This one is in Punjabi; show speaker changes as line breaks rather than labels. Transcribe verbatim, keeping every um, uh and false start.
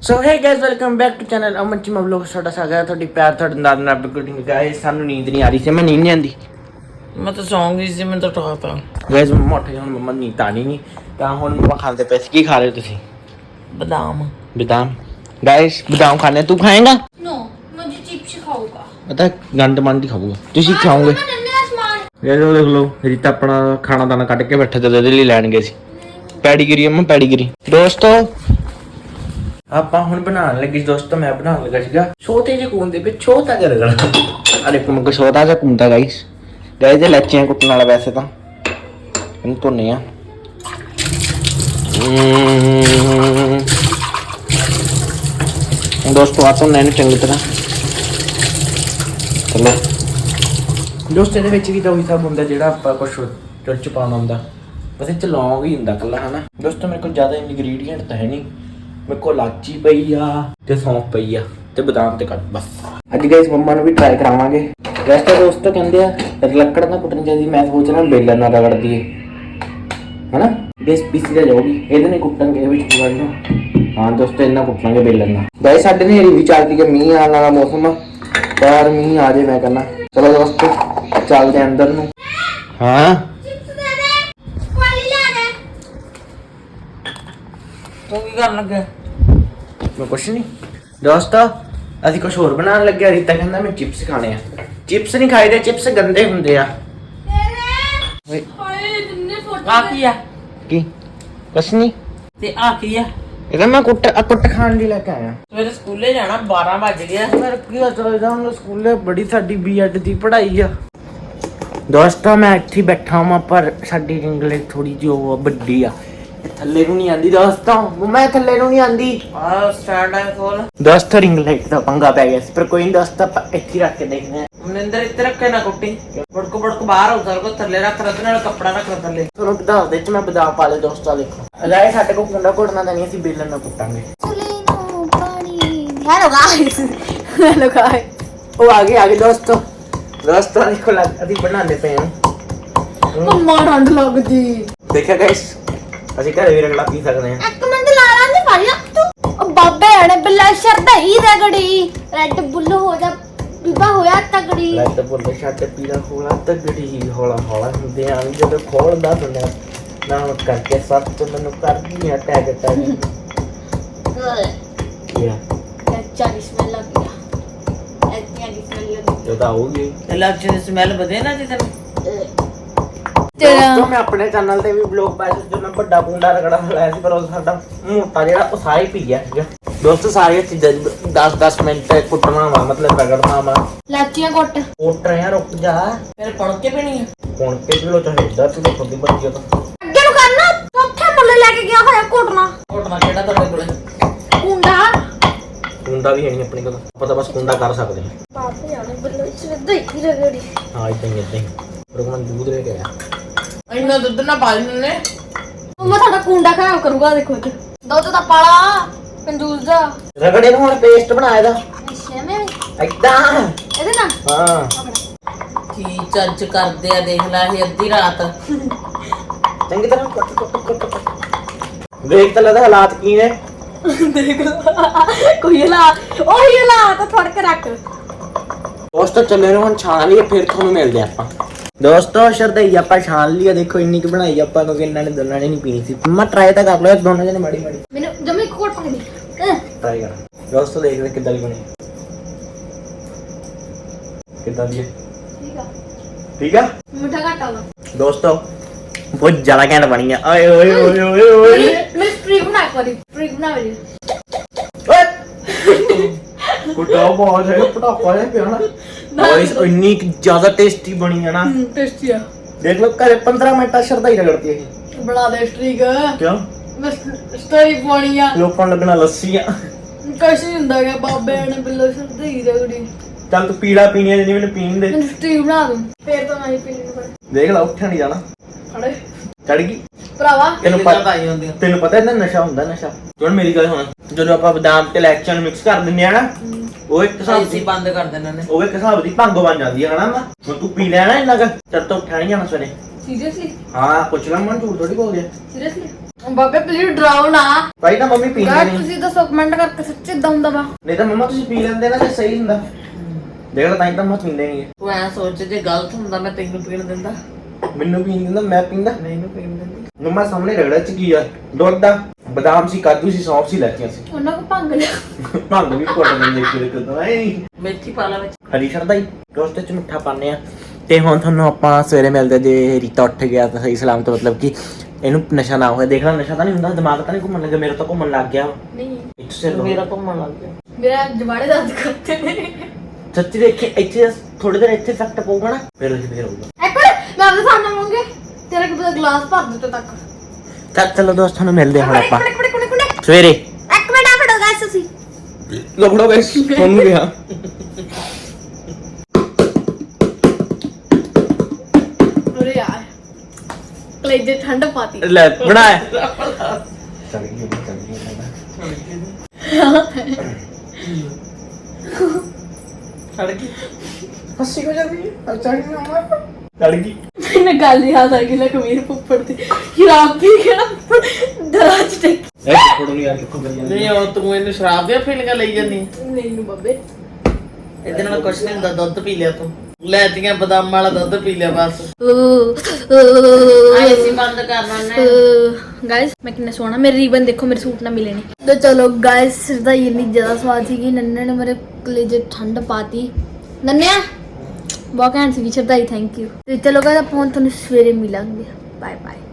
so hey guys welcome back to channel Aman Cheema vlog साडा स्वागत है थोड़ी प्यार थोड़े नाल नाल गुडिंग गाइस सानू नींद नहीं आ रही से मैं नींद नहीं आंदी मैं तो सौं गई सी मैं तो टॉप पे गाइस मम्मा उठ गए हुन मम्मा नींद आनी नहीं ता हुन मम्मा खाते पे की खा रहे हो तुसी बादाम बादाम गाइस बादाम खाने तू खाएगा
नो मुझे चिप्स खाऊंगा
पता गंद मंद खाऊंगा तुसी खाओगे ये लो देख लो रीता अपना खाना दाना कट के बैठे ते दे लिए लैन गए सी पैडीगिरी अम्मा पैडीगिरी दोस्तों ਆਪਾਂ ਹੁਣ ਬਣਾਉਣ ਲੱਗੇ ਦੋਸਤੋ ਮੈਂ ਬਣਾਉਣ ਲੱਗਾ ਸੀਗਾ ਛੋਟੇ ਜਿਹੇ ਕੂਨ ਦੇ ਵਿੱਚ ਛੋਟਾ ਜਿਹਾ ਰਗੜਾ ਅਰੇ ਕੁਮ ਕੋ ਛੋਟਾ ਜਿਹਾ ਕੁੰਦਾ ਗਾਇਸ ਗਾਇਸ ਇਹ ਲੱਚੀਆਂ ਕੁੱਟਣ ਵਾਲਾ ਵੈਸੇ ਤਾਂ ਇਹਨੂੰ ਧੋਨੇ ਆ ਦੋਸਤੋ ਆ ਧੋਨੇ ਇਹਨੂੰ ਚੰਗੀ ਤਰ੍ਹਾਂ ਚਲੋ ਦੋਸਤੋ ਇਹਦੇ ਵਿੱਚ ਵੀ ਤਾਂ ਉਹੀ ਸਭ ਹੁੰਦਾ ਜਿਹੜਾ ਆਪਾਂ ਕੁਛ ਚੁੱਲ ਚ ਪਾਉਣਾ ਹੁੰਦਾ ਬਸ ਇਹ ਚ ਲੌਂਗ ਹੀ ਹੁੰਦਾ ਕੱਲਾ ਹਨਾ ਦੋਸਤੋ ਮੇਰੇ ਕੋਲ ਜ਼ਿਆਦਾ ਇਨਗਰੀਡੀਐਂਟ ਤਾਂ ਹੈ ਨਹੀਂ मेरे को लाची पई आ ते सौंफ पई आ ते बादाम ते कट बस अज गाइस मम्मा ने भी ट्राई करावांगे वैसे दोस्तों कहंदे आ लकड़ ना कुटनी चाहिए मैं सोच रहा बेलन ना रगड़ दिए है ना गैस पीसी जा जाओगी ਇਹਦੇ ਨੇ ਕੁੱਟਾਂਗੇ ਵਿੱਚ ਵਾਲੋ ਹਾਂ ਦੋਸਤੋ ਇਹਨਾਂ ਕੁੱਟਾਂਗੇ बेलन ਨਾਲ ਗਾਇਸ ਸਾਡੇ ਨੇ ਵੀ ਚੱਲਦੀ ਕਿ ਮੀਂਹ ਆਉਣ ਵਾਲਾ ਮੌਸਮ ਆ ਪਰ ਮੀਂਹ ਆ ਜੇ ਮੈਂ ਕਹਿੰਦਾ ਚਲੋ ਦੋਸਤੋ ਚੱਲਦੇ ਅੰਦਰ ਨੂੰ ਹਾਂ ਤੂੰ ਕੀ ਕਰਨ ਲੱਗਾ ਮੈਂ ਕੁਛ ਨਹੀਂ ਦੋਸਤੋ ਅਸੀਂ ਕੁਛ ਹੋਰ ਬਣਾਉਣ ਲੱਗੇ ਰੀਤਾ ਕਹਿੰਦਾ ਮੈਂ ਚਿਪਸ ਖਾਣੇ ਆ ਚਿਪਸ ਨਹੀਂ ਖਾਈਦੇ ਚਿਪਸ ਗੰਦੇ ਹੁੰਦੇ ਆ ਓਏ
ਹਾਏ ਜਿੰਨੇ ਫੋਟੋ
ਆ ਕੀ ਆ
ਕੀ ਕੁਛ ਨਹੀਂ
ਤੇ ਆ ਕੀ ਆ
ਇਹਦਾ ਮੈਂ ਕੁੱਟ ਆ ਕੁੱਟ ਖਾਣ ਲਈ ਲੈ ਕੇ ਆਇਆ
ਸਵੇਰੇ ਸਕੂਲੇ ਜਾਣਾ ਬਾਰਾਂ ਵੱਜ ਗਿਆ
ਮੇਰੇ ਕੀ ਚੱਲਦਾ ਹੁਣ ਸਕੂਲੇ ਬੜੀ ਸਾਡੀ ਬੀਐਡ ਦੀ ਪੜ੍ਹਾਈ ਆ ਦੋਸਤੋ ਮੈਂ ਇੱਥੇ ਬੈਠਾ ਹਾਂ ਪਰ ਸਾਡੀ ਇੰਗਲਿਸ਼ ਥੋੜੀ ਜਿਹੀ ਵੱਡੀ ਆ ਥੱਲੇ ਨੂੰ ਨਹੀਂ ਆਂਦੀ ਦੋਸਤੋ ਮੈਂ ਥੱਲੇ ਨੂੰ ਨਹੀਂ ਆਂਦੀ
ਆ ਸਟੈਂਡ ਆ ਕੋਲ
ਦੋਸਤੋ ਰਿੰਗ ਲਾਈਟ ਦਾ ਪੰਗਾ ਪੈ ਗਿਆ ਸੀ ਪਰ ਕੋਈ ਨਹੀਂ ਦੋਸਤੋ ਆਪਾਂ ਇੱਥੇ ਰੱਖ ਕੇ ਦੇਖਦੇ ਹਾਂ
ਮਨਿੰਦਰ ਇੱਥੇ ਰੱਖੇ ਨਾ ਕੁੱਟੀ ਬੜਕੋ ਬੜਕੋ ਬਾਹਰ ਉਧਰ ਕੋ ਥੱਲੇ ਰੱਖ ਰੱਖ ਨਾਲ ਕੱਪੜਾ ਰੱਖ ਥੱਲੇ
ਤੁਹਾਨੂੰ ਬਤਾ ਦੇ ਚ ਮੈਂ ਬਦਾਮ ਪਾ ਲੇ ਦੋਸਤੋ ਦੇਖੋ ਅਗਾਏ ਸਾਡੇ ਕੋਲ ਕੁੰਡਾ ਘੋੜਨਾ ਤਾਂ ਨਹੀਂ ਅਸੀਂ ਬੇਲਣ ਨਾਲ ਕੁੱਟਾਂਗੇ
हेलो गाइस हेलो गाइस
ਉਹ ਆ ਗਏ ਆ ਗਏ ਦੋਸਤੋ ਦੋਸਤੋ ਦੇਖੋ ਲੱਗ ਅਸੀਂ ਬਣਾਉਂਦੇ ਪਏ ਹਾਂ
मम्मा ठंड लगदी
ਦੇਖਿਆ ਗਾਇਸ ਅਸੀਂ ਘਰੇ ਵੀ ਰਗੜਾ ਪੀ ਸਕਦੇ ਹਾਂ
एक मिनट ला ला नहीं पारी तू ओ बाबे ने बिल्ला शरदा ही रगड़ी रेड बुल हो जा बीबा होया तगड़ी
ਲੱਤ ਬੋਲੇ ਛੱਟ ਪੀੜਾ ਹੋਲਾ ਤਗੜੀ ਹੀ ਹੌਲਾ ਹੌਲਾ ਹੁੰਦੇ ਆਂ ਜਦੋਂ ਖੋਲਦਾ ਸੁਣਿਆ ਨਾ ਕਰਕੇ ਸੱਤ ਤੋਂ ਮੈਨੂੰ ਕਰਦੀ ਆ ਟੈਗ ਟੈਗ ਯਾ
अच्छा की स्मेल लग गया अच्छा की स्मेल लग
ਜਦੋਂ ਆਉਗੀ
ਇਲਾਚੀ ਦੀ ਸਮੈਲ ਵਧੇ ਨਾ ਜਿੱਦਣ
ਦੋਸਤੋ ਮੈਂ ਆਪਣੇ ਚੈਨਲ ਤੇ ਵੀ ਵਲੌਗ ਪਾਇਆ ਸੀ ਜਦੋਂ ਮੈਂ ਵੱਡਾ ਪੁੰਡਾ ਰਗੜਾ ਲਾਇਆ ਸੀ ਪਰ ਉਹ ਸਾਡਾ ਮੋਟਾ ਜਿਹੜਾ ਉਹ ਸਾਰਾ ਹੀ ਪੀ ਗਿਆ ਸੀਗਾ ਦੋਸਤੋ ਸਾਰੀਆਂ ਚੀਜ਼ਾਂ ਦਸ ਦਸ ਮਿੰਟ ਕੁੱਟਣਾ ਵਾ ਮਤਲਬ ਰਗੜਨਾ ਵਾ
लाचियां कोट
ਕੁੱਟ ਰਿਆ ਰੁਕ ਜਾ
ਫਿਰ ਪੜ ਕੇ ਪੀਣੀ ਆ
ਹੁਣ ਕੇ ਕਿਲੋ ਚਾਹੀਦਾ ਤੂੰ ਤਾਂ ਖੁਦ ਹੀ ਬੱਤੀ ਤਾਂ
ਅੱਗੇ ਨੂੰ ਕਰਨਾ ਚੌਥੇ ਮੁੱਲੇ ਲੈ ਕੇ ਗਿਆ ਹੋਇਆ ਕੋਟਣਾ
ਘੋਟਣਾ ਕਿਹੜਾ ਤੁਹਾਡੇ ਕੋਲੇ
ਕੁੰਡਾ
ਕੁੰਡਾ ਵੀ ਹੈ ਨਹੀਂ ਆਪਣੇ ਕੋਲ ਆਪਾਂ ਤਾਂ ਬਸ ਕੁੰਡਾ ਕਰ ਸਕਦੇ ਹਾਂ
ਬਾਪੇ ਆਣੇ ਬਿੱਲੋ ਸ਼ਰਦਾ ਹੀ ਰਗੜੀ
ਹਾਂ ਇਦਾਂ ਹੀ ਇਦਾਂ ਹੀ ਰੁਕਮਨ ਦੂਧ ਲੈ ਕੇ ਆਇਆ
ਇੰਨਾ ਦੁੱਧ ਨਾ ਪਾ ਲੈਣੇ
ਮੰਮਾ ਤੁਹਾਡਾ ਕੁੰਡਾ ਖਰਾਬ ਕਰੂਗਾ ਦੇਖੋ ਤੇ ਦੁੱਧ ਦਾ ਪਾਲਾ ਕੰਜੂਸ ਦਾ
ਰਗੜੇ ਨੂੰ ਹੁਣ ਪੇਸਟ ਬਣਾਇਆ ਦਾ
ਅੱਛਾ ਮੈਂ
ਇਦਾਂ
ਇਹਦੇ ਨਾਲ
ਹਾਂ
ਕੀ ਚੱਜ ਕਰਦੇ ਆ ਦੇਖ ਲੈ ਇਹ ਅੱਧੀ ਰਾਤ
ਚੰਗੀ ਤਰ੍ਹਾਂ ਕੱਟ ਕੱਟ ਕੱਟ ਕੱਟ ਦੇਖ ਤਾਂ ਲੱਗਦਾ ਹਾਲਾਤ ਕੀ ਨੇ
ਦੇਖ ਕੋਈ ਲਾ ਉਹੀ ਲਾ ਤਾਂ ਫੜ ਕੇ ਰੱਖ
ਦੋਸਤੋ ਚੱਲੇ ਨੂੰ ਹੁਣ ਛਾਣ ਲਈਏ ਫਿਰ ਤੁਹਾਨੂੰ ਮਿਲਦੇ ਆਪਾਂ ਦੋਸਤੋ ਸ਼ਰਦਈ ਆਪਾਂ ਛਾਣ ਲਈ ਦੇਖੋ ਇੰਨੀ ਕੁ ਬਣਾਈ ਆਪਾਂ ਕਿਉਂਕਿ ਇਹਨਾਂ ਨੇ ਦੋਨਾਂ ਨੇ ਨਹੀਂ ਪੀਣੀ ਸੀ ਮੰਮਾ ਟਰਾਈ ਤਾਂ ਕਰ ਲਓ ਦੋਨਾਂ ਜਣੇ ਮਾੜੀ ਮਾੜੀ
ਮੈਨੂੰ ਜਮੇ ਕੋਟ ਪਾ ਦੇ
ਟਰਾਈ ਕਰ ਦੋਸਤੋ ਦੇਖਦੇ ਕਿੱਦਾਂ ਦੀ ਬਣੀ ਕਿੱਦਾਂ ਦੀ ਹੈ
ਠੀਕ ਆ
ਠੀਕ ਆ
ਮਿੱਠਾ ਘੱਟ ਆਵਾ
ਦੋਸਤੋ ਬਹੁਤ ਜ਼ਿਆਦਾ ਘੈਂਟ ਬਣੀ ਆ ਓਏ ਓਏ ਓਏ ਓਏ ਓਏ
ਮੈਂ ਸਟ੍ਰੀਕ ਬਣਾ ਕਰੀ ਸਟ੍ਰੀਕ ਬਣਾ ਲਈ
ਕੁੱਟਾ ਬਹੁਤ ਹੈ ਪਟਾਕਾ ਜਿਹਾ ਪਿਆ ਨਾ ਗਾਇਸ ਇੰਨੀ ਕੁ ਜ਼ਿਆਦਾ ਟੇਸਟੀ ਬਣੀ ਆ ਨਾ
ਟੇਸਟੀ ਆ
ਦੇਖ ਲਓ ਘਰੇ ਪੰਦਰਾਂ ਮਿੰਟਾਂ ਸ਼ਰਦਾਈ ਰਗੜਤੀ ਇਹ
ਬਣਾ ਦੇ ਸਟ੍ਰੀਕ
ਕਿਉਂ
ਮੈਂ ਸਟੋਰੀ ਪਾਉਣੀ ਆ
ਲੋਕਾਂ ਨੂੰ ਲੱਗਣਾ ਲੱਸੀਆਂ
ਕੁਛ ਨਹੀਂ ਹੁੰਦਾ ਗਿਆ ਬਾਬੇ ਨੇ ਬਿੱਲੋ ਸ਼ਰਦਾ ਹੀ ਰਗੜੀ
ਚੱਲ ਤੂੰ ਪੀਲਾ ਪੀਣੀ ਆ ਜਿੰਨੀ ਮੈਨੂੰ ਪੀਣ ਦੇ
ਮੈਨੂੰ ਸਟ੍ਰੀਕ ਬਣਾ ਦੂੰ ਫੇਰ ਤਾਂ ਮੈਂ ਹੀ ਪੀਣੀ ਨੂੰ
ਦੇਖ ਲਾ ਉੱਠਿਆ ਨਹੀਂ ਜਾਣਾ
ਅੜੇ
ਚੜ ਗਈ
ਭਰਾਵਾ
ਤੈਨੂੰ
ਕਿੱਦਾਂ
ਪਤਾ
ਪਾਈ ਹੁੰਦੀ ਆ
ਤੈਨੂੰ ਪਤਾ ਇਹਦਾ ਨਸ਼ਾ ਹੁੰਦਾ ਨਸ਼ਾ ਹੁਣ ਮੇਰੀ ਗੱਲ ਸੁਣ ਜਦੋਂ ਆਪਾਂ ਬਦਾਮ ਤੇ ਇਲਾਇਚੀਆਂ ਨੂੰ ਮਿਕਸ ਕਰ ਦਿੰਦੇ ਆ ਨਾ ਉਹ ਇੱਕ ਹਿਸਾਬ
ਅਸੀਂ
ਦੀ
ਬੰਦ ਕਰ ਦੇਣਾ ਨੇ
ਉਹ ਇੱਕ ਹਿਸਾਬ ਦੀ ਭੰਗ ਬਣ ਜਾਂਦੀ ਹੈ ਹਨਾ ਹੁਣ ਤੂੰ ਪੀ ਲਿਆ ਨਾ ਇੰਨਾ ਕੁ ਤੇਰੇ ਤੋਂ ਉੱਠਿਆ ਨਹੀਂ ਜਾਣਾ ਸਵੇਰੇ
ਸੀਰੀਅਸਲੀ
ਹਾਂ ਪੁੱਛ ਲਾ ਮਨ ਝੂਠ ਥੋੜੀ ਬੋਲ ਗਿਆ
ਸੀਰੀਅਸਲੀ ਬਾਬੇ ਪਲੀਜ਼ ਡਰਾਓ ਨਾ
ਭਾਈ ਤਾਂ ਮੰਮੀ ਪੀਂਦੇ
ਗਾਇਸ
ਨਹੀਂ
ਤੁਸੀਂ ਦੱਸੋ ਕਮੈਂਟ ਕਰਕੇ ਸੱਚੀ ਇਦਾਂ ਹੁੰਦਾ ਵਾ
ਨਹੀਂ ਤਾਂ ਮੰਮਾ ਤੁਸੀਂ ਪੀ ਲੈਂਦੇ ਨਾ ਜੇ ਸਹੀ ਹੁੰਦਾ ਦੇਖ ਲਾ ਤਾਂ ਹੀ ਤਾਂ ਮਤ ਪੀਂਦੇ ਨਹੀਂ
ਤੂੰ ਐ ਸੋਚ ਜੇ ਗਲਤ ਹੁੰਦਾ ਮੈਂ ਤੈਨੂੰ ਪੀਣ ਦਿੰਦਾ
ਮੈਨੂੰ ਪੀਣ ਦਿੰਦਾ ਮੈਂ ਪੀਂਦਾ
ਮੈਨੂੰ ਪੀਣ ਦਿੰਦੀ
ਮੰਮਾ ਸਾਹਮਣੇ ਰਗੜਾ ਚ ਕੀ ਆ ਦੁੱਧ ਦਾ ਬਦਾਮ ਸੀ ਕਾਜੂ ਸੀ ਸੌਂਫ ਸੀ ਲੈਤੀਆਂ ਸੀ
ਉਹਨਾਂ ਕੋ ਭੰਗ ਲਿਆ
ਭੰਗ ਵੀ ਕੋਟ ਨਹੀਂ ਦੇਖੇ ਕਦੋਂ ਐ
ਮੇਥੀ ਪਾ ਲਾ ਵਿੱਚ
ਹਰੀ ਸ਼ਰਦਾ ਹੀ ਦੋਸਤ ਚ ਮਿੱਠਾ ਪਾਣੇ ਆ ਤੇ ਹੁਣ ਤੁਹਾਨੂੰ ਆਪਾਂ ਸਵੇਰੇ ਮਿਲਦੇ ਜੇ ਰੀਤਾ ਉੱਠ ਗਿਆ ਤਾਂ ਸਹੀ ਸਲਾਮਤ ਮਤਲਬ ਕਿ ਇਹਨੂੰ ਨਸ਼ਾ ਨਾ ਹੋਇਆ ਦੇਖ ਲੈ ਨਸ਼ਾ ਤਾਂ ਨਹੀਂ ਹੁੰਦਾ ਦਿਮਾਗ ਤਾਂ ਨਹੀਂ ਘੁੰਮਣ ਲੱਗਾ ਮੇਰਾ ਤਾਂ ਘੁੰਮਣ ਲੱਗ ਗਿਆ
ਨਹੀਂ
ਇੱਕ ਸਿਰ
ਮੇਰਾ ਘੁੰਮਣ ਲੱਗ ਗਿਆ
ਮੇਰਾ ਜਵਾੜੇ ਦਰਦ ਕਰਤੇ ਨੇ
ਸੱਚੀ ਦੇਖੇ ਇੱਥੇ ਥੋੜੀ ਦੇਰ ਇੱਥੇ ਇਫੈਕਟ ਪਊਗਾ ਨਾ ਫਿਰ ਉਹ ਫੇਰ ਹੋਊਗਾ
ਇੱਕ ਮਿੰਟ ਮੈਂ ਆਪਦੇ ਸਾਹਮਣੇ ਮੰਗੇ ਤੇਰਾ ਕਿ ਪਤਾ ਗਲਾਸ ਭਰ ਦਿੱਤਾ ਤੱਕ
ਚੱਲ ਚਲੋ ਦੋਸਤਾਂ ਨੂੰ ਮਿਲਦੇ ਹਾਂ ਹੁਣ ਆਪਾਂ
ਇੱਕ ਮਿੰਟ ਇੱਕ ਮਿੰਟ
ਸਵੇਰੇ
ਇੱਕ ਮਿੰਟ ਆ ਫੜੋ ਗਾਇਸ ਤੁਸੀਂ
ਲਫੜੋ ਗਾਇਸ ਸੁਣ ਗਿਆ
ਅਰੇ ਯਾਰ ਕਲੇਜੇ ਠੰਡ ਪਾਤੀ
ਲੈ ਬਣਾਇਆ ਚੱਲ ਗਈ ਚੱਲ ਗਈ
ਛੱਡ ਗਈ
ਹੱਸੀ ਹੋ ਜਾਂਦੀ ਹੈ ਚੜ ਗਈ ਮਾਮਾ ਚੜ ਗਈ
ਮੈਨੂੰ ਗੱਲ ਯਾਦ ਆ ਗਈ ਲੈ ਕਮੀਰ ਪੁੱਪੜ ਦੀ ਸ਼ਰਾਬ ਪੀ ਕੇ ਨਾ ਦਰਾਜ ਤੇ
ਐ ਫੋਟੋ ਨਹੀਂ ਆ ਕਿੱਥੋਂ ਕਰੀ ਜਾਂਦੀ
ਨਹੀਂ ਉਹ ਤੂੰ ਇਹਨੂੰ ਸ਼ਰਾਬ ਦੀਆਂ ਫੀਲਿੰਗਾਂ ਲਈ ਜਾਂਦੀ
ਮੈਨੂੰ ਬੱਬੇ
ਇਹਦੇ ਨਾਲ ਕੁਛ ਨਹੀਂ ਹੁੰਦਾ ਦੁੱਧ ਪੀ ਲਿਆ ਤੂੰ ਲੈਤੀਆਂ ਬਦਾਮ ਵਾਲਾ ਦੁੱਧ ਪੀ ਲਿਆ ਬਸ ਆਏ ਸੀ ਬੰਦ ਕਰਨਾ ਨੇ
ਗਾਇਸ ਮੈਂ ਕਿੰਨਾ ਸੋਹਣਾ ਮੇਰੇ ਰੀਬਨ ਦੇਖੋ ਮੇਰੇ ਸੂਟ ਨਾਲ ਮਿਲੇ ਨਹੀਂ ਤੇ ਚਲੋ ਗਾਇਸ ਦਾ ਇੰਨੀ ਜ਼ਿਆਦਾ ਸਵਾਦ ਸੀ ਕਿ ਨੰਨੇ ਨੇ ਮੇਰੇ ਕਲੇਜੇ ਠੰਡ ਪਾਤੀ ਨੰਨਿਆ ਬਹੁਤ ਘੈਂਟ ਸੀ ਸ਼ਰਦਾਈ ਥੈਂਕ ਯੂ ਤੇ ਚਲੋ ਗਾਇਸ ਆਪਾਂ ਹੁਣ ਤੁਹਾਨੂੰ ਸਵੇਰੇ ਮਿਲਾਂਗੇ ਬਾਏ ਬਾਏ